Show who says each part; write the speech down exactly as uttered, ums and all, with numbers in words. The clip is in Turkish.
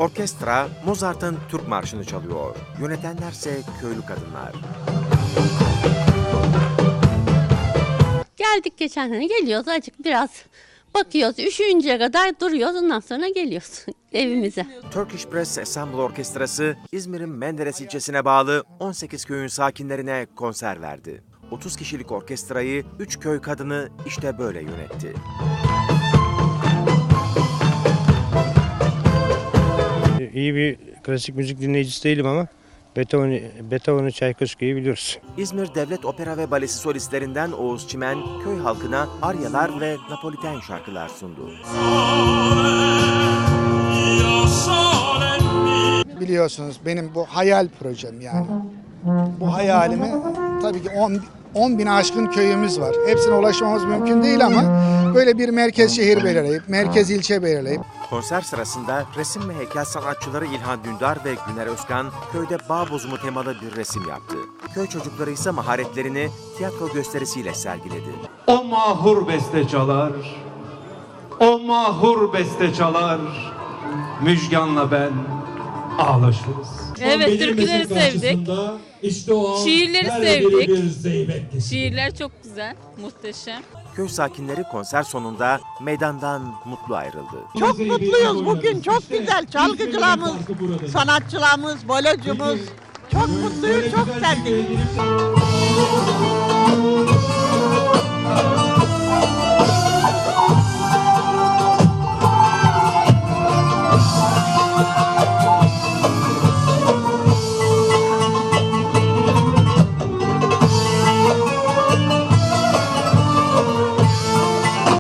Speaker 1: Orkestra Mozart'ın Türk Marşı'nı çalıyor. Yönetenlerse köylü kadınlar.
Speaker 2: Geldik geçen sene, geliyoruz azıcık biraz bakıyoruz, üşüyünceye kadar duruyoruz, ondan sonra geliyoruz evimize.
Speaker 1: Turkish Brass Ensemble Orkestrası İzmir'in Menderes ilçesine bağlı on sekiz köyün sakinlerine konser verdi. otuz kişilik orkestrayı üç köy kadını işte böyle yönetti.
Speaker 3: İyi bir klasik müzik dinleyicisi değilim ama Beethoven'ı, Beethoven'ı Çaykoski'yi biliyoruz.
Speaker 1: İzmir Devlet Opera ve Balesi solistlerinden Oğuz Çimen, köy halkına aryalar ve Napoliten şarkılar sundu.
Speaker 4: Biliyorsunuz benim bu hayal projem yani. Bu hayalimi tabii ki on bin aşkın köyümüz var. Hepsine ulaşmamız mümkün değil ama böyle bir merkez şehir belirleyip, merkez ilçe belirleyip.
Speaker 1: Konser sırasında resim ve heykel sanatçıları İlhan Dündar ve Güner Özkan köyde bağ bozumu temalı bir resim yaptı. Köy çocukları ise maharetlerini tiyatro gösterisiyle sergiledi.
Speaker 5: O mahur beste çalar, o mahur beste çalar, Müjgan'la ben ağlaşırız.
Speaker 6: Evet, türküleri sevdik.
Speaker 7: İşte o an
Speaker 6: Şiirleri
Speaker 7: her
Speaker 6: sevdik.
Speaker 7: biri bir zeybek kesiyor.
Speaker 6: Şiirler çok güzel, muhteşem.
Speaker 1: Köy sakinleri konser sonunda meydandan mutlu ayrıldı.
Speaker 8: Çok mutluyuz bugün, çok güzel. Çalgıcılarımız, sanatçılarımız, bolocumuz. Çok mutluyuz, çok sevdik.